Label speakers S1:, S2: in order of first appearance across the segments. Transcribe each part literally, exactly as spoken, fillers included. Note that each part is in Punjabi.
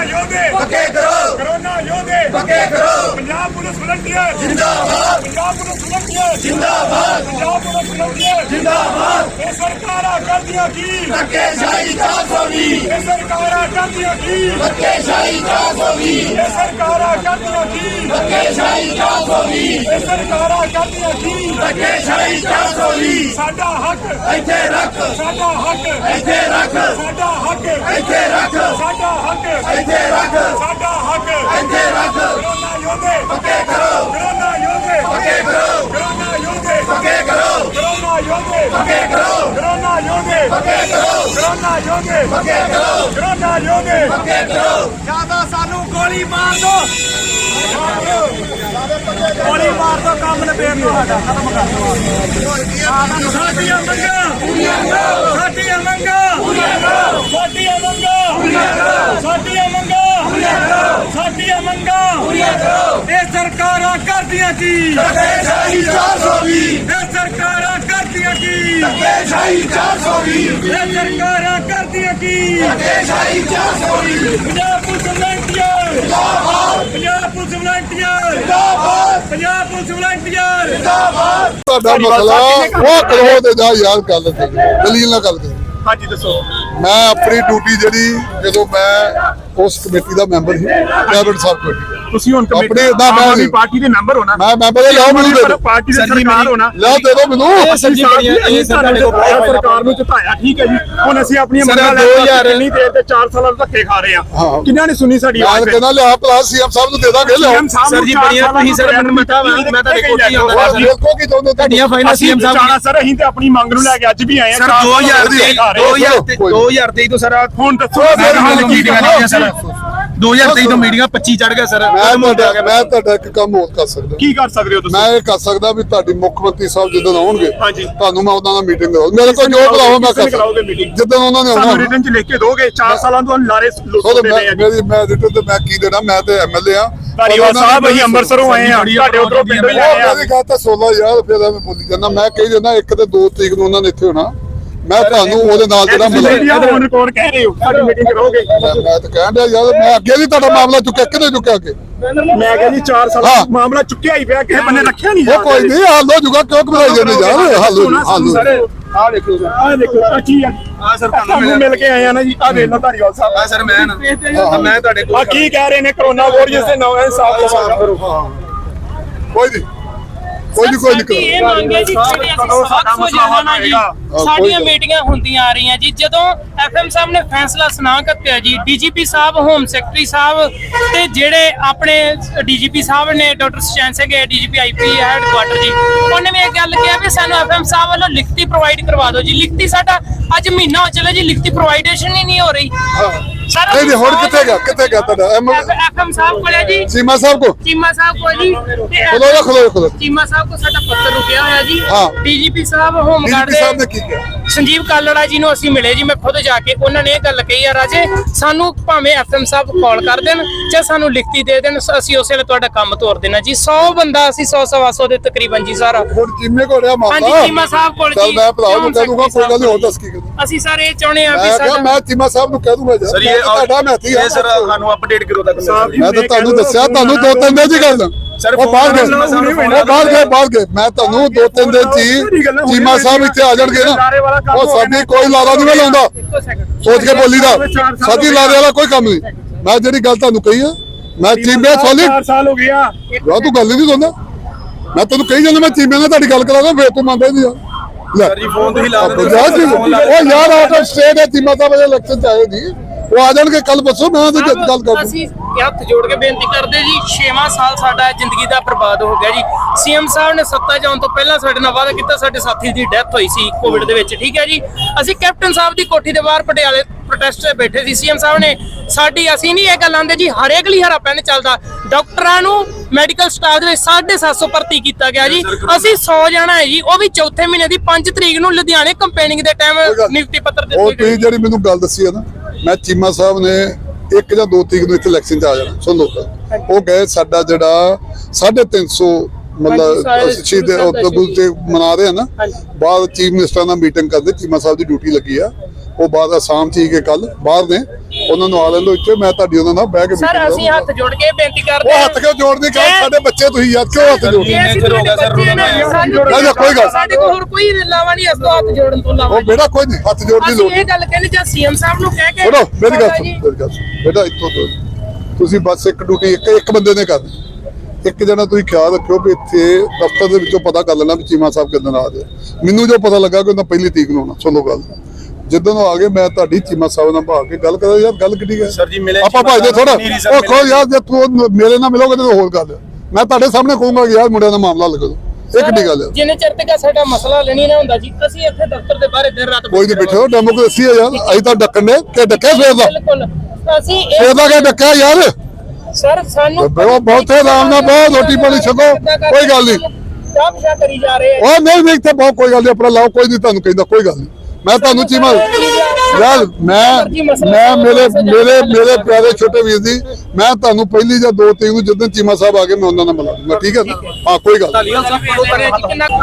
S1: योधे
S2: पक्के करो,
S1: कोरोना योधे
S2: पक्के करो,
S1: पंजाब पुलिस वॉलंटियर
S2: जिंदाबाद,
S1: पंजाब पुलिस वॉलंटियर
S2: जिंदाबाद,
S1: पंजाब पुलिस वॉलंटियर
S2: जिंदाबाद,
S1: ये सरकारां करदियां की
S2: धक्केशाही चार सौ बीस,
S1: ये सरकारां करदियां की
S2: धक्केशाही चार सौ बीस,
S1: ये सरकारां करदियां की
S2: धक्केशाही चार सौ बीस,
S1: ये सरकारां करदियां की
S2: धक्केशाही चार सौ बीस,
S1: साडा हक
S2: ਇੱਥੇ ਰੱਖ,
S1: साडा हक
S2: ਇੱਥੇ ਰੱਖ,
S1: साडा हक
S2: ਇੱਥੇ ਰੱਖ,
S1: साडा हक
S2: ਇੱਥੇ ਰੱਖ,
S1: साडा हक
S2: ਇੱਥੇ ਰੱਖ,
S1: कोरोना योधे
S2: ਪੱਕੇ ਕਰੋ,
S1: कोरोना योधे
S2: ਪੱਕੇ ਕਰੋ,
S1: कोरोना योधे
S2: ਪੱਕੇ ਕਰੋ,
S1: कोरोना योधे
S2: ਪੱਕੇ ਕਰੋ,
S1: कोरोना योधे
S2: ਪੱਕੇ ਕਰੋ,
S1: कोरोना योधे
S2: ਪੱਕੇ ਕਰੋ,
S1: कोरोना योधे
S2: ਪੱਕੇ ਕਰੋ,
S1: ਜਿਆਦਾ ਸਾਨੂੰ ਗੋਲੀ ਮਾਰ ਦੋ ਗੋਲੀ ਮਾਰ ਦੋ ਕੰਮ ਨਿਬੇੜ ਦੋ ਸਾਡਾ ਖਤਮ ਕਰ ਦੋ ਸਾਡੀਆਂ ਮੰਗਾਂ ਪੂਰੀਆਂ ਕਰੋ ਸਾਡੀਆਂ ਮੰਗਾਂ ਪੂਰੀਆਂ ਕਰੋ ਸਾਡੀਆਂ ਮੰਗਾਂ ਪੂਰੀਆਂ ਕਰੋ ਸਾਡੀਆਂ ਮੰਗਾਂ ਪੂਰੀਆਂ ਕਰੋ ਸਾਡੀਆਂ ਮੰਗਾਂ ਪੂਰੀਆਂ ਕਰੋ ਇਹ ਸਰਕਾਰਾਂ ਕਰਦੀਆਂ ਕੀ
S2: ਧੱਕੇਸ਼ਾਹੀ ਚਾਰ ਸੌ ਵੀਹ,
S1: ਇਹ ਸਰਕਾਰਾਂ ਕਰਦੀਆਂ ਕੀ
S2: ਧੱਕੇਸ਼ਾਹੀ ਚਾਰ ਸੌ ਵੀਹ,
S1: ਇਹ ਸਰਕਾਰਾਂ ਕਰਦੀਆਂ ਕੀ
S2: ਧੱਕੇਸ਼ਾਹੀ ਚਾਰ ਸੌ ਵੀਹ,
S1: ਪੰਜਾਬ ਪੁਲਿਸ ਵਲੰਟੀਅਰ
S2: ਜਿੰਦਾਬਾਦ,
S1: ਪੰਜਾਬ ਪੁਲਿਸ ਵਲੰਟੀਅਰ
S2: ਜਿੰਦਾਬਾਦ,
S1: ਪੰਜਾਬ ਪੁਲਿਸ ਵਲੰਟੀਅਰ
S2: ਜਿੰਦਾਬਾਦ,
S3: ਤੁਹਾਡਾ ਮਸਲਾ ਉਹ ਕਰੋ ਤੇ ਜਾ ਯਾਰ ਗੱਲ ਤੇ ਦਲੀਲ ਨਾਲ ਗੱਲ ਕਰ।
S1: ਹਾਂਜੀ ਦੱਸੋ
S3: ਮੈਂ ਆਪਣੀ ਡਿਊਟੀ ਜਿਹੜੀ ਜਦੋਂ ਮੈਂ ਉਸ ਕਮੇਟੀ ਦਾ ਮੈਂਬਰ ਸੀ ਕੈਬਨਿਟ ਸਬ ਕਮੇਟੀ
S1: ਤੁਸੀਂ ਹੁਣ
S3: ਆਪਣੇ ਦਾ ਮੈਂ
S1: ਪਾਰਟੀ ਦੇ ਮੈਂਬਰ ਹੋ ਨਾ
S3: ਮੈਂ ਮੈਂਬਰ ਲਿਆਓ ਮੈਨੂੰ ਦੇ ਦਿਓ
S1: ਪਾਰਟੀ ਦੇ ਸਰਕਾਰ ਹੋ ਨਾ
S3: ਲਿਆਓ ਦੇ ਦਿਓ ਮੈਨੂੰ
S1: ਅਸੀਂ ਸਰਕਾਰ ਨੂੰ ਜਿਤਾਇਆ ਠੀਕ ਹੈ ਜੀ ਹੁਣ ਅਸੀਂ ਆਪਣੀਆਂ ਮੰਗਾਂ ਲੈ ਕੇ ਕਿੰਨੀ ਦੇਰ ਤੇ ਚਾਰ ਸਾਲਾਂ ਤੋਂ ਧੱਕੇ ਖਾ ਰਹੇ ਆ ਕਿੰਨਾਂ ਨੇ ਸੁਣੀ ਸਾਡੀ
S3: ਮੈਂ
S1: ਆਵਾਜ਼
S3: ਕਹਿੰਦਾ ਲਿਆ ਪਲਾਸ ਸੀਐਮ ਸਾਹਿਬ ਨੂੰ ਦੇ ਦਾਂਗੇ ਲਿਆਓ
S1: ਸਰ ਜੀ ਬੜੀਆਂ ਤੁਸੀਂ ਸਰ ਮੈਨੂੰ ਮਿੱਠਾ ਮੈਂ ਤੁਹਾਡੇ ਕੋਲ ਹੀ ਆਉਂਦਾ
S3: ਉਹ ਦੇਖੋ ਕੀ ਚਾਹੁੰਦੇ
S1: ਤੁਹਾਡੀਆਂ ਫਾਈਲਾਂ ਸੀਐਮ ਸਾਹਿਬ ਜਾਣਾ ਸਰ ਅਸੀਂ ਤੇ ਆਪਣੀ ਮੰਗ ਨੂੰ ਲੈ ਕੇ ਅੱਜ ਵੀ ਆਏ ਆ
S4: ਸਰ ਦੋ ਹਜ਼ਾਰ ਤੇਈ ਤੋਂ ਸਰ
S1: ਹੁਣ ਦੱਸੋ
S4: ਫਿਰ ਹਾਲ ਕੀ ਕਰਨੀਆਂ ਸਰ ਦੋ ਹਜ਼ਾਰ ਤੇਈ ਤੋਂ ਮੀਟਿੰਗਾਂ ਪੱਚੀ ਚੜ ਗਿਆ ਸਰ
S3: ਮੈਂ ਤੁਹਾਡਾ ਮੈਂ ਤੁਹਾਡਾ ਇੱਕ ਕੰਮ ਹੋਰ ਕਰ ਸਕਦਾ
S1: ਕੀ ਕਰ ਸਕਦੇ ਹੋ ਤੁਸੀਂ
S3: ਮੈਂ ਇਹ ਕਰ ਸਕਦਾ ਵੀ ਤੁਹਾਡੀ ਮੁੱਖ ਮੰਤਰੀ ਸਾਹਿਬ ਜਦੋਂ ਆਉਣਗੇ
S1: ਹਾਂਜੀ
S3: ਤੁਹਾਨੂੰ ਮੈਂ ਉਹਨਾਂ ਨਾਲ ਮੀਟਿੰਗ ਕਰਾਉਂ ਮੇਰੇ ਕੋਲ ਜੋ ਬੁਲਾਓ ਮੈਂ ਕਰ
S1: ਕਰਾਓਗੇ ਮੀਟਿੰਗ
S3: ਜਦੋਂ ਉਹਨਾਂ ਨੇ
S1: ਸਾਨੂੰ
S3: ਆਉਣਾ
S1: ਰਿਟਨ ਚ ਲਿਖ ਕੇ ਦੋਗੇ ਚਾਰ ਸਾਲਾਂ ਤੋਂ ਲਾਰੇ
S3: ਉਹਦੇ ਮੈਂ ਮੇਰੀ ਮੈਂ ਰਿਟਨ ਤੇ ਮੈਂ ਕੀ ਦੇਣਾ ਮੈਂ ਤੇ ਐਮਐਲਏ ਆ
S1: ਧਾਰੀਵਾਲ ਸਾਹਿਬ ਅਸੀਂ ਅੰਮ੍ਰਿਤਸਰੋਂ ਆਏ ਆ ਤੁਹਾਡੇ ਉਧਰੋਂ ਪਿੰਡੋਂ ਹੀ ਆਏ ਆ
S3: ਮੇਰੀ ਗੱਲ ਤਾਂ ਸੋਲਾਂ ਯਾਰ ਫਿਰ ਐਵੇਂ ਬੋਲੀ ਜਾਂਦਾ ਮੈਂ ਕਹੀ ਜਾਂਦਾ ਇੱਕ ਤੇ ਦੋ ਤਰੀਕ ਨੂੰ ਉਹਨਾਂ ਨੇ ਇੱਥੇ ਹੋਣਾ ਮੈਂ ਤੁਹਾਨੂੰ ਉਹਦੇ ਨਾਲ ਜਿਹੜਾ ਮਿਲਿਆ
S1: ਤੁਸੀਂ ਰਿਕਾਰਡ ਕਹਿ ਰਹੇ ਹੋ ਸਾਡੀ ਮੀਟਿੰਗ ਕਰੋਗੇ
S3: ਮੈਂ ਤਾਂ ਕਹਿਣ ਡਿਆ ਯਾਰ ਮੈਂ ਅੱਗੇ ਵੀ ਤੁਹਾਡਾ ਮਾਮਲਾ ਚੁੱਕਿਆ ਕਿਹਨੇ ਚੁੱਕਿਆ ਅੱਗੇ
S1: ਮੈਂ ਕਿਹਾ ਜੀ ਚਾਰ ਸਾਲ
S3: ਹਾਂ।
S1: ਮਾਮਲਾ ਚੁੱਕਿਆ ਹੀ ਪਿਆ ਕਿਸੇ ਬੰਨੇ ਰੱਖਿਆ ਨਹੀਂ
S3: ਉਹ ਕੋਈ ਨਹੀਂ ਹੱਲ ਹੋ ਜੂਗਾ ਕਿਉਂ ਘਬਰਾਈ ਜਾਂਦੇ ਯਾਰ ਹੱਲ ਹੋ ਜੂ ਹੱਲ ਹੋ ਜੂ।
S1: ਆ ਦੇਖੋ ਸਰ ਆ ਦੇਖੋ ਆ ਕੀ ਆ
S4: ਆ ਸਰ
S1: ਤੁਹਾਨੂੰ ਮਿਲ ਕੇ ਆਏ ਆ ਨਾ ਜੀ ਆ ਦੇਖ ਲਓ ਧਾਰੀਵਾਲ ਸਾਹਿਬ
S4: ਆ ਸਰ ਮੈਂ ਨਾ ਮੈਂ ਤੁਹਾਡੇ ਕੋਲ
S1: ਆ ਕੀ ਕਹਿ ਰਹੇ ਨੇ ਕਰੋਨਾ ਵਾਰੀਅਰਸ ਦੇ ਨਾਮ ਇਨਸਾਫ ਕਰੋ
S3: ਕੋਈ ਨਹੀਂ ਕੋਈ ਨਹੀਂ ਕੋਈ ਨਹੀਂ
S5: ਇਹ ਮੰਗੇ ਜੀ ਜਿਹੜੇ ਅਸੀਂ ਸਖਤ ਹੋ ਜਾਣਾ ਜੀ ਸਾਡੀਆਂ ਮੀਟਿੰਗਾਂ ਹੁੰਦੀਆਂ ਆ ਰਹੀਆਂ ਜੀ ਜਦੋਂ ਐਫਐਮ ਸਾਹਿਬ ਨੇ ਫੈਸਲਾ ਸੁਣਾ ਕੱਤਿਆ ਜੀ ਡੀਜੀਪੀ ਸਾਹਿਬ ਹੋਮ ਸੈਕਟਰੀ ਸਾਹਿਬ ਤੇ ਜਿਹੜੇ ਆਪਣੇ ਡੀਜੀਪੀ ਸਾਹਿਬ ਨੇ doctor Sachain Singh DGP IP headquarter ਜੀ ਉਹਨੇ ਵੀ ਇਹ ਗੱਲ ਕਿਹਾ ਵੀ ਸਾਨੂੰ ਐਫਐਮ ਸਾਹਿਬ ਵੱਲੋਂ ਲਿਖਤੀ ਪ੍ਰੋਵਾਈਡ ਕਰਵਾ ਦਿਓ ਜੀ ਲਿਖਤੀ ਸਾਡਾ ਅੱਜ ਮਹੀਨਾ ਹੋ ਚੱਲਿਆ ਜੀ ਲਿਖਤੀ ਪ੍ਰੋਵਾਈਡੇਸ਼ਨ ਹੀ ਨਹੀਂ ਹੋ ਰਹੀ ਸਰ
S3: ਨਹੀਂ ਨਹੀਂ ਹੁਣ ਕਿੱਥੇ ਗਿਆ ਕਿੱਥੇ ਗਿਆ ਤੁਹਾਡਾ
S5: ਐਫਐਮ ਸਾਹਿਬ ਕੋਲੇ ਜੀ
S3: ਸੀਮਾ ਸਾਹਿਬ ਕੋ
S5: ਚੀਮਾ ਸਾਹਿਬ ਕੋਲ ਜੀ
S3: ਖਲੋ ਜਾ ਖਲੋ ਖਲੋ
S5: ਚੀਮਾ ਸਾਹਿਬ ਕੋ ਸਾਡਾ ਪੱਤਰ ਰੁਕਿਆ ਹੋਇਆ ਜੀ
S3: ਹਾਂ।
S5: ਡੀਜੀਪੀ ਸਾਹਿਬ ਹੋਮ ਗਾਰਡ
S3: ਡੀਜੀਪੀ ਸਾਹਿਬ ਨੇ ਕੀ ਕਿਹਾ
S5: ਸੰਜੀਵ ਕਾਲੜਾ ਜੀ ਨੂੰ ਅਸੀਂ ਮਿਲੇ ਜੀ ਮੈਂ ਖੁਦ ਜਾ ਕੇ ਉਹਨਾਂ ਨੇ ਇਹ ਗੱਲ ਕਹੀ ਆ ਰਾਜੇ ਸਾਨੂੰ ਭਾਵੇਂ ਐਫਐਮ ਸਾਹਿਬ ਕਾਲ ਕਰ ਦੇਣ ਜਾਂ ਸਾਨੂੰ ਲਿਖਤੀ ਦੇ ਦੇਣ ਅਸੀਂ ਉਸੇ ਵੇਲੇ ਤੁਹਾਡਾ ਕੰਮ ਤੋਰ ਦੇਣਾ ਜੀ ਸੌ ਬੰਦਾ ਅਸੀਂ ਸੌ ਸਵਾ ਸੌ ਦੇ ਤਕਰੀਬਨ ਜੀ ਸਾਰਾ
S3: ਹੁਣ ਜਿੰਮੇ ਕੋ ਰਿਹਾ ਮਾਮਲਾ
S5: ਹਾਂਜੀ ਚੀਮਾ ਸਾਹਿਬ ਕੋਲ
S3: ਚੱਲ
S5: ਜੀ
S3: ਮੈਂ ਭਰਾ ਨੂੰ ਕਹਿ ਦੂੰਗਾ ਕੋਈ ਗੱਲ ਨਹੀਂ ਹੋਰ ਦੱਸ ਕੀ ਕਰਾਂ
S5: ਅਸੀਂ ਸਰ ਇਹ ਚਾਹੁੰਦੇ ਆ ਵੀ
S3: ਮੈਂ ਕਿਹਾ
S5: ਸਾਡਾ
S3: ਮੈਂ ਚੀਮਾ ਸਾਹਿਬ ਨੂੰ ਕਹਿ ਦੂੰਗਾ
S4: ਸਰ
S3: ਯਾਰ
S4: ਇਹ
S3: ਤੁਹਾਡਾ ਮੈਥੀ ਆ
S4: ਇਹ ਸਰ ਸਾਨੂੰ ਅਪਡੇਟ ਕਰੋ ਤੱਕ
S3: ਮੈਂ ਤਾਂ ਤੁਹਾਨੂੰ ਦੱਸਿਆ ਤੁਹਾਨੂੰ ਦੋ ਤਿੰਨ ਦਿਨ ਦੀ ਗੱਲ
S4: ਸਰ
S3: ਉਹ ਬਾਹਰ ਗਏ
S4: ਫੋਨ
S3: ਉਹ ਬਾਹਰ ਗਏ ਬਾਹਰ ਗਏ ਮੈਂ ਤੁਹਾਨੂੰ ਦੋ ਤਿੰਨ ਦਿਨ ਚ ਚੀਮਾ ਸਾਹਿਬ ਇੱਥੇ ਆ ਜਾਣਗੇ ਨਾ ਉਹ ਸਾਡੀ ਕੋਈ ਲਾਰਾ ਨਹੀਂ ਲਾਉਂਦਾ ਸੋਚ ਕੇ ਬੋਲੀ ਦਾ ਸਾਡੀ ਲਾਰੇ ਵਾਲਾ ਕੋਈ ਕੰਮ ਨਹੀਂ ਮੈਂ ਜਿਹੜੀ ਗੱਲ ਤੁਹਾਨੂੰ ਕਹੀ ਆ ਮੈਂ ਚੀਮੇ ਸੋਲੀ
S1: ਚਾਰ ਸਾਲ ਹੋ ਗਿਆ
S3: ਯਾਰ ਤੂੰ ਗੱਲ ਨਹੀਂ ਸੁਣਦਾ ਮੈਂ ਤੈਨੂੰ ਕਹੀ ਜਾਂਦਾ ਮੈਂ ਚੀਮੇ ਨਾਲ ਤੁਹਾਡੀ ਗੱਲ ਕਰਾਂਗਾ ਫੇਰ ਤੂੰ ਮੰਨਦਾ ਨਹੀਂ ਆ
S4: ਸਰ ਜੀ ਫੋਨ ਤੁਸੀਂ ਲਾ ਦਿੰਦੇ
S3: ਉਹ ਯਾਰ ਆਊਟ ਆਫ ਸਟੇਟ ਹੈ ਚੀਮਾ ਸਾਹਿਬ ਦੇ ਇਲੈਕਸ਼ਨ ਚ ਆਏ ਨਹੀਂ ਉਹ ਆ ਜਾਣਗੇ ਕੱਲ ਪਰਸੋਂ ਮੈਂ ਉਹਦੀ ਗੱਲ ਕਰ
S5: ਅਸੀਂ ਹੱਥ ਜੋੜ ਕੇ ਬੇਨਤੀ ਕਰਦੇ ਜੀ ਛੇਵਾਂ ਸਾਲ ਸਾਡਾ ਜ਼ਿੰਦਗੀ ਦਾ ਬਰਬਾਦ ਹੋ ਗਿਆ ਜੀ ਸੀਐਮ ਸਾਹਿਬ ਨੇ ਸੱਤਾ ਜਾਣ ਤੋਂ ਪਹਿਲਾਂ ਸਾਡੇ ਨਾਲ ਵਾਅਦਾ ਕੀਤਾ ਸਾਡੇ ਸਾਥੀ ਦੀ ਡੈਥ ਹੋਈ ਸੀ ਕੋਵਿਡ ਦੇ ਵਿੱਚ ਠੀਕ ਹੈ ਜੀ ਅਸੀਂ ਕੈਪਟਨ ਸਾਹਿਬ ਦੀ ਕੋਠੀ ਦੇ ਬਾਹਰ ਪਟਿਆਲੇ ਪ੍ਰੋਟੈਸਟ ਤੇ ਬੈਠੇ ਸੀ ਸੀਐਮ ਸਾਹਿਬ ਨੇ ਸਾਡੀ ਅਸੀਂ ਨਹੀਂ ਇਹ ਗੱਲ ਆਂਦੇ ਜੀ ਹਰੇਕ ਲਈ ਹਰਾ ਪੈਨ ਚੱਲਦਾ ਡਾਕਟਰਾਂ ਨੂੰ ਮੈਡੀਕਲ ਸਟਾਫ ਦੇ ਵਿੱਚ ਸਾਢੇ ਸੱਤ ਸੌ ਭਰਤੀ ਕੀਤਾ ਗਿਆ ਜੀ ਅਸੀਂ ਸੌ ਜਾਣਾ ਹੈ ਜੀ ਉਹ ਵੀ ਚੌਥੇ ਮਹੀਨੇ ਦੀ ਪੰਜ ਤਰੀਕ ਨੂੰ ਲੁਧਿਆਣੇ ਕੰਪੇਨਿੰਗ ਦੇ ਟਾਈਮ ਨਿਯੁਕਤੀ ਪੱਤਰ
S3: ਉਹ
S5: ਦਿੱਤੇ
S3: ਤੁਸੀਂ ਜਿਹੜੀ ਮੈਨੂੰ ਗੱਲ ਦੱਸੀ ਹੈ ਨਾ ਮੈਂ ਚੀਮਾ ਸਾਹਿਬ ਨੇ ਇੱਕ ਜਾਂ ਦੋ ਤਰੀਕ ਨੂੰ ਇੱਥੇ ਇਲੈਕਸ਼ਨ ਚ ਆ ਜਾਣਾ ਸੁਣ ਲਓ ਉਹ ਗਏ ਸਾਡਾ ਜਿਹੜਾ ਸਾਢੇ ਤਿੰਨ ਸੌ ਮਤਲਬ ਸ਼ਹੀਦ ਪ੍ਰਭੂ ਤੇ ਮਨਾ ਰਹੇ ਆ ਨਾ ਬਾਅਦ ਚੀਫ ਮਿਨਿਸਟਰ ਨਾਲ ਮੀਟਿੰਗ ਕਰਦੇ ਚੀਮਾ ਸਾਹਿਬ ਦੀ ਡਿਊਟੀ ਲੱਗੀ ਆ ਉਹ ਬਾਅਦ ਅਸਾਮ ਚ ਹੀ ਕੇ ਕੱਲ ਬਾਹਰ ਨੇ ਉਹਨਾਂ ਨੂੰ ਆ ਲੈਂਦੋ ਇੱਥੇ, ਮੈਂ ਤੁਹਾਡੀ ਉਹਨਾਂ ਨਾਲ ਬਹਿ ਕੇ
S5: ਸਰ
S3: meeting
S5: ਅਸੀਂ ਹੱਥ ਜੋੜ ਕੇ ਬੇਨਤੀ
S3: ਉਹ
S5: ਕਰਦੇ
S3: ਹੱਥ ਕਿਉਂ ਜੋੜਦੇ ਕਾ ਸਾਡੇ ਬੱਚੇ ਤੁਸੀਂ ਯਾਰ ਕਿਉਂ ਹੱਥ ਜੋੜਦੇ
S5: ਜੇ ਅਸੀਂ ਤੁਹਾਡੇ ਬੱਚੇ ਨੇ, ਸਾਨੂੰ
S3: ਨਹੀਂ, ਨਹੀਂ, ਕੋਈ ਗੱਲ।
S5: ਸਾਡੇ ਕੋਲ ਹੋਰ ਕੋਈ ਲਾਵਾ ਨਹੀਂ, ਇਸ ਤੋਂ ਹੱਥ ਜੋੜਨ ਤੋਂ ਲਾਵਾ
S3: ਉਹ ਬੇਟਾ ਕੋਈ ਨਹੀਂ ਹੱਥ ਜੋੜਨ ਦੀ
S5: ਅਸੀਂ
S3: ਲੋੜ
S5: ਇਹ ਗੱਲ ਕਹਿੰਦੇ ਜਾਂ ਸੀਐਮ ਸਾਹਿਬ ਨੂੰ ਕਹਿ ਕੇ
S3: ਸੁਣੋ ਮੇਰੀ ਗੱਲ
S5: ਸਾਡਾ
S3: ਸੁਣੋ
S5: ਜੀ,
S3: ਮੇਰੀ ਗੱਲ ਸੁਣੋ ਬੇਟਾ ਇੱਥੋਂ ਤੋਂ ਤੁਸੀਂ ਬਸ ਇੱਕ ਡਿਊਟੀ ਇੱਕ ਇੱਕ ਬੰਦੇ ਨੇ ਕਰਨੀ। ਇੱਕ ਜਣਾ ਤੁਸੀਂ ਖਿਆਲ ਰੱਖਿਓ ਵੀ ਇੱਥੇ ਦਫ਼ਤਰ ਦੇ ਵਿੱਚੋਂ ਪਤਾ ਕਰ ਲੈਣਾ ਵੀ ਚੀਮਾ ਸਾਹਿਬ ਕਿੱਦਣ ਆ ਜਾਏ। ਮੈਨੂੰ ਜੋ ਪਤਾ ਲੱਗਾ ਕਿ ਉਹਨਾਂ ਪਹਿਲੀ ਤਰੀਕ ਨੂੰ ਆਉਣਾ। ਸੁਣੋ ਗੱਲ, ਜਿੱਦਣ ਉਹ ਆ ਗਏ ਮੈਂ ਤੁਹਾਡੀ ਚੀਮਾ ਸਾਹਿਬ ਨਾਲ ਭਾਗ ਕੇ ਗੱਲ ਕਰਾਂ। ਯਾਰ ਗੱਲ ਕਿੱਡੀ ਹੈ
S4: ਸਰ ਜੀ ਮਿਲੇ
S3: ਆਪਾਂ ਭਾਜਦੇ ਥੋੜਾ ਉਹ ਕਹੋ ਯਾਰ ਜੇ ਤੂੰ ਮੇਰੇ ਨਾਲ ਮਿਲੋਗੇ ਤਾਂ ਹੋਰ ਗੱਲ ਹੈ। ਮੈਂ ਤੁਹਾਡੇ ਸਾਹਮਣੇ ਕਹੂੰਗਾ ਕਿ ਯਾਰ ਮੁੰਡਿਆਂ ਦਾ ਮਾਮਲਾ ਲਗਾ ਦੋ। ਇਹ ਕਿੱਡੀ ਗੱਲ ਹੈ?
S5: ਜਿੰਨੇ ਚਿਰ ਤੱਕ ਸਾਡਾ ਮਸਲਾ ਲੈਣੀ ਨਾ ਹੁੰਦਾ ਜੀ, ਅਸੀਂ ਇੱਥੇ ਦਫ਼ਤਰ ਦੇ ਬਾਹਰ ਦਿਨ ਰਾਤ
S3: ਕੋਈ ਨਹੀਂ ਬੈਠੋ, ਡੈਮੋਕ੍ਰੇਸੀ ਹੈ ਯਾਰ। ਅਸੀਂ ਤਾਂ ਡੱਕਣ ਨੇ ਕਿ ਡੱਕਿਆ ਸਵੇਰ ਦਾ
S5: ਬਿਲਕੁਲ ਅਸੀਂ ਇਹ-
S3: ਸਵੇਰ ਦਾ ਕਿ ਡੱਕਿਆ ਯਾਰ।
S5: ਸਰ ਸਾਨੂੰ
S3: ਬਹੁਤ ਬਹੁਤ ਆਰਾਮ ਨਾਲ ਬਹੁਤ ਰੋਟੀ ਪਾਣੀ ਛਕੋ, ਕੋਈ ਗੱਲ ਨਹੀਂ।
S5: ਚਾਹ ਪਿਆ ਕਰੀ ਜਾ ਰਹੇ ਆ।
S3: ਉਹ ਨਹੀਂ ਨਹੀਂ ਇੱਥੇ ਬਹੁਤ ਕੋਈ ਗੱਲ ਨਹੀਂ, ਆਪਣਾ ਲਾਓ, ਕੋਈ ਨਹੀਂ ਤੁਹਾਨੂੰ ਕਹਿੰਦਾ, ਕੋਈ ਗੱਲ ਨਹੀਂ। ਮੈਂ ਤੁਹਾਨੂੰ ਚੀਮਾ ਯਾਰ ਮੈਂ ਮੈਂ ਮੇਰੇ ਮੇਰੇ ਮੇਰੇ ਪਿਆਰੇ ਛੋਟੇ ਵੀਰ ਜੀ, ਮੈਂ ਤੁਹਾਨੂੰ ਪਹਿਲੀ ਜਾਂ ਦੋ ਤਰੀਕ ਨੂੰ ਜਦੋਂ ਚੀਮਾ ਸਾਹਿਬ ਆ ਗਏ ਮੈਂ ਉਹਨਾਂ ਨਾਲ ਮਿਲਾ ਦੂੰਗਾ, ਠੀਕ ਹੈ ਨਾ? ਹਾਂ ਕੋਈ ਗੱਲ ਨਹੀਂ।
S5: ਢਾਲੀਵਾਲ ਸਾਹਿਬ ਕੋਲੋਂ ਕਰੇ ਜੀ ਕਿੰਨਾ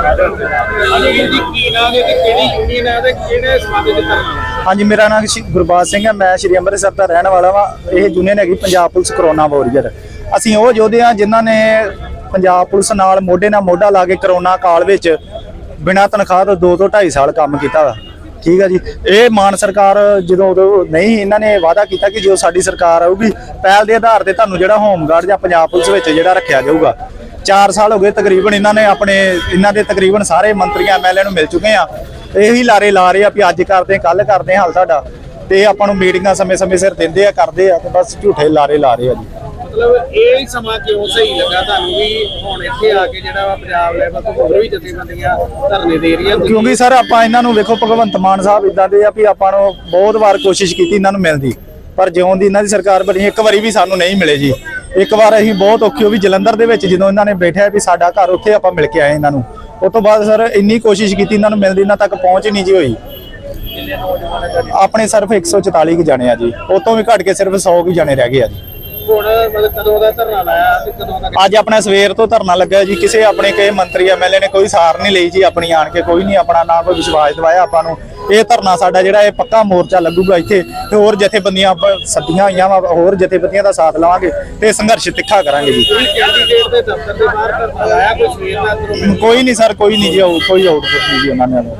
S5: ਜੀ ਕੀ ਨਾਮ ਹੈ ਤੇ ਕਿਹੜੀ ਯੂਨੀਅਨ ਹੈ ਤੇ ਕਿਹੜੇ ਸਮਾਜ ਦੇ ਧਰਨਾ?
S6: ਹਾਂਜੀ, ਮੇਰਾ ਨਾਮ ਸ਼੍ਰੀ ਗੁਰਬਾਜ ਸਿੰਘ ਹੈ। ਮੈਂ ਸ਼੍ਰੀ ਅੰਮ੍ਰਿਤਸਰ ਦਾ ਰਹਿਣ ਵਾਲਾ ਵਾਂ। ਇਹ ਯੂਨੀਅਨ ਹੈਗੀ ਪੰਜਾਬ ਪੁਲਿਸ ਕਰੋਨਾ ਵਾਰੀਅਰ। ਅਸੀਂ ਉਹ ਯੋਧੇ ਹਾਂ ਜਿਨ੍ਹਾਂ ਨੇ ਪੰਜਾਬ ਪੁਲਿਸ ਨਾਲ ਮੋਢੇ ਨਾਲ ਮੋਢਾ ਲਾ ਕੇ ਕਰੋਨਾ ਕਾਲ ਵਿੱਚ ਬਿਨਾਂ ਤਨਖਾਹ ਤੋਂ ਦੋ ਤੋਂ ਢਾਈ ਸਾਲ ਕੰਮ ਕੀਤਾ ਵਾ। ਠੀਕ ਹੈ ਜੀ। ਇਹ ਮਾਨ ਸਰਕਾਰ ਜਦੋਂ ਉਦੋਂ ਨਹੀਂ, ਇਹਨਾਂ ਨੇ ਵਾਅਦਾ ਕੀਤਾ ਕਿ ਜੋ ਸਾਡੀ ਸਰਕਾਰ ਆਊਗੀ ਪਹਿਲ ਦੇ ਆਧਾਰ ਤੇ ਤੁਹਾਨੂੰ ਜਿਹੜਾ ਹੋਮਗਾਰਡ ਜਾਂ ਪੰਜਾਬ ਪੁਲਿਸ ਵਿੱਚ ਜਿਹੜਾ ਰੱਖਿਆ ਜਾਊਗਾ। ਚਾਰ ਸਾਲ ਹੋ ਗਏ ਤਕਰੀਬਨ ਇਹਨਾਂ ਨੇ ਆਪਣੇ ਇਹਨਾਂ ਦੇ ਤਕਰੀਬਨ ਸਾਰੇ ਮੰਤਰੀਆਂ ਐਮਐਲਏ ਨੂੰ ਮਿਲ ਚੁੱਕੇ ਆ। ਇਹੀ ਲਾਰੇ ਲਾ ਰਹੇ ਆ ਵੀ ਅੱਜ ਕਰਦੇ ਕੱਲ ਕਰਦੇ ਹਾਲ ਸਾਡਾ, ਤੇ ਆਪਾਂ ਨੂੰ ਮੀਟਿੰਗਾਂ ਸਮੇਂ ਸਮੇਂ ਸਿਰ ਦਿੰਦੇ ਆ ਕਰਦੇ ਆ, ਤੇ ਬਸ ਝੂਠੇ ਲਾਰੇ ਲਾ ਰਹੇ ਆ ਜੀ।
S7: ਮਤਲਬ ਇਹ ਸਮਾਂ ਕਿਉਂ ਸਹੀ ਲੱਗਾ ਤੁਹਾਨੂੰ ਵੀ ਹੁਣ ਇੱਥੇ ਆ ਕੇ ਜਿਹੜਾ ਵਾ ਪੰਜਾਬ ਲੈਵਲ ਤੋਂ ਹੋਰ ਵੀ ਜਥੇਬੰਦੀਆਂ ਧਰਨੇ ਦੇ ਰਹੀਆਂ?
S6: ਕਿਉਂਕਿ ਸਰ ਆਪਾਂ ਇਹਨਾਂ ਨੂੰ ਵੇਖੋ, ਭਗਵੰਤ ਮਾਨ ਸਾਹਿਬ ਇਦਾਂ ਦੇ ਆ ਵੀ ਆਪਾਂ ਨੂੰ ਬਹੁਤ ਵਾਰ ਕੋਸ਼ਿਸ਼ ਕੀਤੀ ਇਹਨਾਂ ਨੂੰ ਮਿਲਦੀ, ਪਰ ਜਿਉਂ ਦੀ ਇਹਨਾਂ ਦੀ ਸਰਕਾਰ ਬਣੀ ਇੱਕ ਵਾਰੀ ਵੀ ਸਾਨੂੰ ਨਹੀਂ ਮਿਲੇ ਜੀ। ਇੱਕ ਵਾਰ ਅਸੀਂ ਬਹੁਤ ਔਖੇ ਹੋ ਵੀ ਜਲੰਧਰ ਦੇ ਵਿੱਚ ਜਦੋਂ ਇਹਨਾਂ ਨੇ ਬੈਠਿਆ ਵੀ ਸਾਡਾ ਘਰ, ਉੱਥੇ ਆਪਾਂ ਮਿਲ ਕੇ ਆਏ ਇਹਨਾਂ ਨੂੰ। ਉਸ ਤੋਂ ਬਾਅਦ ਸਰ ਇੰਨੀ ਕੋਸ਼ਿਸ਼ ਕੀਤੀ ਇਹਨਾਂ ਨੂੰ ਮਿਲਦੀ, ਇਹਨਾਂ ਤੱਕ ਪਹੁੰਚ ਨਹੀਂ ਜੀ ਹੋਈ। ਆਪਣੇ ਸਿਰਫ ਇੱਕ ਸੌ ਚੁਤਾਲੀ ਕੁ ਜਾਣੇ ਆ ਜੀ, ਉਹ ਤੋਂ ਵੀ ਘੱਟ ਕੇ ਸਿਰਫ ਸੌ ਕੁ ਜਾਣੇ ਰਹਿ ਗਏ ਆ ਜੀ।
S7: ਹੁਣ ਮਤਲਬ ਕਦੋਂ ਦਾ ਧਰਨਾ ਲਾਇਆ ਤੇ ਕਦੋਂ ਦਾ?
S6: ਅੱਜ ਆਪਣਾ ਸਵੇਰ ਤੋਂ ਧਰਨਾ ਲੱਗਾ ਜੀ। ਕਿਸੇ ਆਪਣੇ ਕਿਸੇ ਮੰਤਰੀ ਐਮਐਲਏ ਨੇ ਕੋਈ ਸਾਰ ਨਹੀਂ ਲਈ ਜੀ ਆਪਣੀ, ਆਣ ਕੇ ਕੋਈ ਨਹੀਂ ਆਪਣਾ ਨਾ ਕੋਈ ਵਿਸ਼ਵਾਸ ਦਿਵਾਇਆ ਆਪਾਂ ਨੂੰ। ਇਹ ਧਰਨਾ ਸਾਡਾ ਜਿਹੜਾ ਇਹ ਪੱਕਾ ਮੋਰਚਾ ਲੱਗੂਗਾ ਇੱਥੇ, ਤੇ ਹੋਰ ਜਥੇਬੰਦੀਆਂ ਸੱਦੀਆਂ ਹੋਈਆਂ ਵਾ, ਹੋਰ ਜਥੇਬੰਦੀਆਂ ਦਾ ਸਾਥ ਲਵਾਂਗੇ ਤੇ ਸੰਘਰਸ਼ ਤਿੱਖਾ ਕਰਾਂਗੇ ਜੀ।
S7: ਕੋਈ ਕੈਂਡੀਡੇਟ ਦੇ ਦਫ਼ਤਰ ਦੇ ਬਾਹਰ ਧਰਨਾ ਲਾਇਆ ਕੋਈ ਸਵੇਰ ਦਾ ਅੰਦਰੋਂ?
S6: ਕੋਈ ਨਹੀਂ ਸਰ, ਕੋਈ ਨਹੀਂ ਜੀ, ਆਊ- ਕੋਈ ਆਊਟਪੁੱਟ ਨਹੀਂ ਜੀ ਉਹਨਾਂ ਨੇ।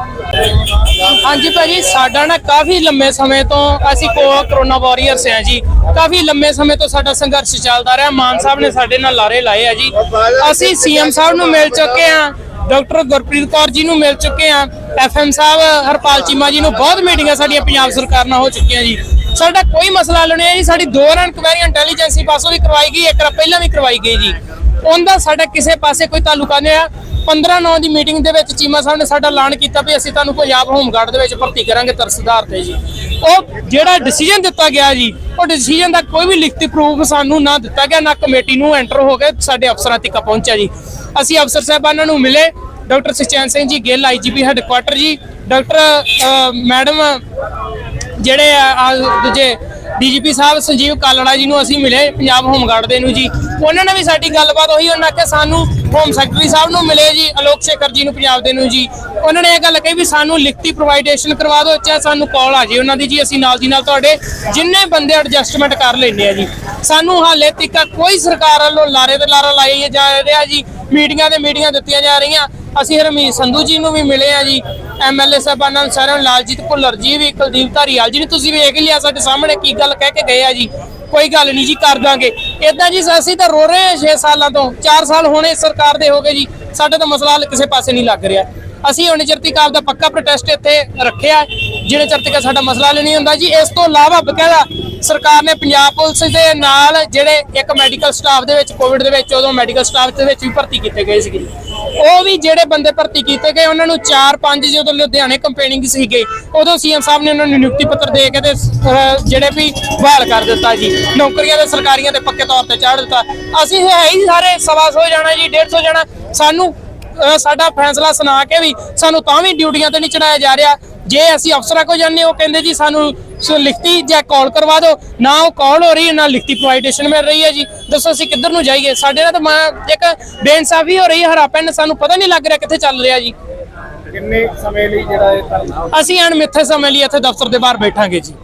S5: ਹਾਂਜੀ ਭਾਜੀ, ਸਾਡਾ ਨਾ ਕਾਫੀ ਲੰਮੇ ਸਮੇਂ ਤੋਂ ਅਸੀਂ ਕੋ ਕਰੋਨਾ ਵਾਰੀਅਰਸ ਆ ਜੀ। ਕਾਫੀ ਲੰਮੇ ਸਮੇਂ ਤੋਂ ਸਾਡਾ ਸੰਘਰਸ਼ ਚੱਲਦਾ ਰਿਹਾ। ਮਾਨ ਸਾਹਿਬ ਨੇ ਸਾਡੇ ਨਾਲ ਲਾਰੇ ਲਾਏ ਆ ਜੀ। ਅਸੀਂ ਸੀਐਮ ਸਾਹਿਬ ਨੂੰ ਮਿਲ ਚੁੱਕੇ ਆ, ਡਾਕਟਰ ਗੁਰਪ੍ਰੀਤ ਕੌਰ ਜੀ ਨੂੰ ਮਿਲ ਚੁੱਕੇ ਆ, ਐਫਐਮ ਸਾਹਿਬ ਹਰਪਾਲ ਚੀਮਾ ਜੀ ਨੂੰ ਬਹੁਤ ਮੀਟਿੰਗਾਂ ਸਾਡੀਆਂ ਪੰਜਾਬ ਸਰਕਾਰ ਨਾਲ ਹੋ ਚੁੱਕੀਆਂ ਜੀ। ਸਾਡਾ ਕੋਈ ਮਸਲਾ ਹੱਲ ਨਹੀਂ ਹੈ ਜੀ। ਸਾਡੀ ਦੋ ਰਨ ਕੁਐਰੀ ਇੰਟੈਲੀਜੈਂਸੀ ਪਾਸੋਂ ਵੀ ਕਰਵਾਈ ਗਈ, ਇੱਕ ਰ ਪਹਿਲਾਂ ਵੀ ਕਰਵਾਈ ਗਈ ਜੀ। ਉਹਦਾ ਸਾਡਾ ਕਿਸੇ ਪਾਸੇ ਕੋਈ ਤਾਲੁਕਾ ਨਹੀਂ ਆ। ਪੰਦਰਾਂ ਨੌ ਦੀ ਮੀਟਿੰਗ ਦੇ ਵਿੱਚ ਚੀਮਾ ਸਾਹਿਬ ਨੇ ਸਾਡਾ ਐਲਾਨ ਕੀਤਾ ਵੀ ਅਸੀਂ ਤੁਹਾਨੂੰ ਪੰਜਾਬ ਹੋਮਗਾਰਡ ਦੇ ਵਿੱਚ ਭਰਤੀ ਕਰਾਂਗੇ ਤਰਸਦਾਰ ਤੇ ਜੀ। ਉਹ ਜਿਹੜਾ ਡਿਸੀਜਨ ਦਿੱਤਾ ਗਿਆ ਜੀ, ਉਹ ਡਿਸੀਜਨ ਦਾ ਕੋਈ ਵੀ ਲਿਖਤੀ ਪ੍ਰੂਫ ਸਾਨੂੰ ਨਾ ਦਿੱਤਾ ਗਿਆ, ਨਾ ਕਮੇਟੀ ਨੂੰ ਐਂਟਰ ਹੋ ਕੇ ਸਾਡੇ ਅਫਸਰਾਂ ਤੱਕ ਪਹੁੰਚਿਆ ਜੀ। ਅਸੀਂ ਅਫਸਰ ਸਾਹਿਬਾਨਾਂ ਨੂੰ ਮਿਲੇ, doctor Sukhchain Singh ji Gill IGP headquarter ਜੀ, ਡਾਕਟਰ ਮੈਡਮ ਜਿਹੜੇ ਆ ਦੂਜੇ ਡੀਜੀਪੀ ਸਾਹਿਬ ਸੰਜੀਵ ਕਾਲੜਾ ਜੀ ਨੂੰ ਅਸੀਂ ਮਿਲੇ, ਪੰਜਾਬ ਹੋਮਗਾਰਡ ਦੇ ਨੂੰ ਜੀ। ਉਹਨਾਂ ਨੇ ਵੀ ਸਾਡੀ ਗੱਲਬਾਤ ਉਹੀ, ਉਹਨਾਂ ਕਿ ਸਾਨੂੰ ਹੋਮ ਸੈਕਟਰੀ ਸਾਹਿਬ ਨੂੰ ਮਿਲੇ ਜੀ, ਅਲੋਕ ਸ਼ੇਖਰ ਜੀ ਨੂੰ ਪੰਜਾਬ ਦੇ ਨੂੰ ਜੀ। ਉਹਨਾਂ ਨੇ ਇਹ ਗੱਲ ਕਹੀ ਵੀ ਸਾਨੂੰ ਲਿਖਤੀ ਪ੍ਰੋਵਾਈਡੇਸ਼ਨ ਕਰਵਾ ਦਿਓ, ਚਾਹੇ ਸਾਨੂੰ ਕਾਲ ਆ ਜੇ ਉਹਨਾਂ ਦੀ ਜੀ, ਅਸੀਂ ਨਾਲ ਦੀ ਨਾਲ ਤੁਹਾਡੇ ਜਿੰਨੇ ਬੰਦੇ ਐਡਜਸਟਮੈਂਟ ਕਰ ਲੈਂਦੇ ਆ ਜੀ। ਸਾਨੂੰ ਹਾਲੇ ਤੱਕ ਕੋਈ ਸਰਕਾਰ ਵੱਲੋਂ ਲਾਰੇ ਤੇ ਲਾਰਾ ਲਾਈ ਜਾ ਰਿਹਾ ਜੀ। ਮੀਟਿੰਗਾਂ ਤੇ ਮੀਟਿੰਗਾਂ ਦਿੱਤੀਆਂ ਜਾ ਰਹੀਆਂ। ਅਸੀਂ ਹਰਮੀਤ ਸੰਧੂ ਜੀ ਨੂੰ ਵੀ ਮਿਲੇ ਆ ਜੀ, ਐਮਐਲਏ ਸਾਹਿਬਾਨਾਂ ਨੂੰ ਸਾਰਿਆਂ ਨੂੰ, ਲਾਲਜੀਤ ਭੁੱਲਰ ਜੀ ਵੀ, ਕੁਲਦੀਪ ਧਾਰੀਵਾਲ ਜੀ ਨੇ ਤੁਸੀਂ ਵੇਖ ਲਿਆ ਸਾਡੇ ਸਾਹਮਣੇ ਕੀ ਗੱਲ ਕਹਿ ਕੇ ਗਏ ਆ ਜੀ। ਕੋਈ ਗੱਲ ਨਹੀਂ ਜੀ, ਕਰ ਦਾਂਗੇ ਇਦਾਂ ਜੀ। ਅਸੀਂ ਤਾਂ ਰੋ ਰਹੇ ਹਾਂ ਛੇ ਸਾਲਾਂ ਤੋਂ, ਚਾਰ ਸਾਲ ਹੋਣੇ ਸਰਕਾਰ ਦੇ ਹੋ ਗਏ ਜੀ। ਸਾਡਾ ਤਾਂ ਮਸਲਾ ਹੱਲ ਕਿਸੇ ਪਾਸੇ ਨਹੀਂ ਲੱਗ ਰਿਹਾ। ਅਸੀਂ ਹੁਣ ਚਿਰ ਤੱਕ ਆਪਦਾ ਪੱਕਾ ਪ੍ਰੋਟੈਸਟ ਇੱਥੇ ਰੱਖਿਆ, ਜਿਹੜੇ ਚਿਰ ਤੱਕ ਸਾਡਾ ਮਸਲਾ ਹੱਲ ਨਹੀਂ ਹੁੰਦਾ ਜੀ। ਇਸ ਤੋਂ ਇਲਾਵਾ ਬਕਾਇਦਾ ਸਰਕਾਰ ਨੇ ਪੰਜਾਬ ਪੁਲਿਸ ਦੇ ਨਾਲ ਜਿਹੜੇ ਇੱਕ ਮੈਡੀਕਲ ਸਟਾਫ ਦੇ ਵਿੱਚ ਕੋਵਿਡ ਦੇ ਵਿੱਚ ਉਦੋਂ ਮੈਡੀਕਲ ਸਟਾਫ ਦੇ ਵਿੱਚ ਵੀ ਭਰਤੀ ਕੀਤੇ ਗਏ ਸੀਗੇ, ਉਹ ਵੀ ਜਿਹੜੇ ਬੰਦੇ ਭਰਤੀ ਕੀਤੇ ਗਏ ਉਹਨਾਂ ਨੂੰ ਚਾਰ ਪੰਜ ਜਦੋਂ ਲੁਧਿਆਣੇ ਕੰਪੇਨਿੰਗ ਸੀਗੇ, ਉਦੋਂ ਸੀਐਮ ਸਾਹਿਬ ਨੇ ਉਹਨਾਂ ਨੂੰ ਨਿਯੁਕਤੀ ਪੱਤਰ ਦੇ ਕੇ ਤੇ ਜਿਹੜੇ ਵੀ ਬਹਾਲ ਕਰ ਦਿੱਤਾ ਜੀ। ਨੌਕਰੀਆਂ ਦੇ ਸਰਕਾਰੀਆਂ ਤੇ ਪੱਕੇ ਤੌਰ ਤੇ ਚਾੜ ਦਿੱਤਾ। ਅਸੀਂ ਹੈ ਹੀ ਸਾਰੇ ਸਵਾ ਸੌ ਜਾਣਾ ਜੀ, ਡੇਢ ਸੌ ਜਾਣਾ। ਸਾਨੂੰ ਸਾਡਾ ਫੈਸਲਾ ਸੁਣਾ ਕੇ ਵੀ ਸਾਨੂੰ ਤਾਂ ਵੀ ਡਿਊਟੀਆਂ ਤੇ ਨਹੀਂ ਚੜਾਇਆ ਜਾ ਰਿਹਾ। ਜੇ ਅਸੀਂ ਅਫਸਰਾਂ ਕੋਲ ਜਾਂਦੇ, ਉਹ ਕਹਿੰਦੇ ਜੀ ਸਾਨੂੰ ਲਿਖਤੀ ਜਾਂ ਕਾਲ ਕਰਵਾ ਦਿਓ, ਨਾ ਉਹ ਕਾਲ ਹੋ ਰਹੀ ਹੈ ਨਾ ਲਿਖਤੀ ਪ੍ਰੋਵਾਈਡੇਸ਼ਨ ਮਿਲ ਰਹੀ ਹੈ ਜੀ। ਦੱਸੋ ਅਸੀਂ ਕਿੱਧਰ ਨੂੰ ਜਾਈਏ? ਸਾਡੇ ਨਾਲ ਤਾਂ ਇੱਕ ਬੇਇਨਸਾਫੀ ਹੋ ਰਹੀ ਹੈ। ਹਰਾ ਪੈਨ ਸਾਨੂੰ ਪਤਾ ਨਹੀਂ ਲੱਗ ਰਿਹਾ ਕਿੱਥੇ ਚੱਲ ਰਿਹਾ ਜੀ।
S7: ਕਿੰਨੇ ਸਮੇਂ ਲਈ ਜਿਹੜਾ ਇਹ ਧਰਨਾ?
S5: ਅਸੀਂ ਅਣਮਿੱਥੇ ਸਮੇਂ ਲਈ ਇੱਥੇ ਦਫ਼ਤਰ ਦੇ ਬਾਹਰ ਬੈਠਾਂਗੇ ਜੀ।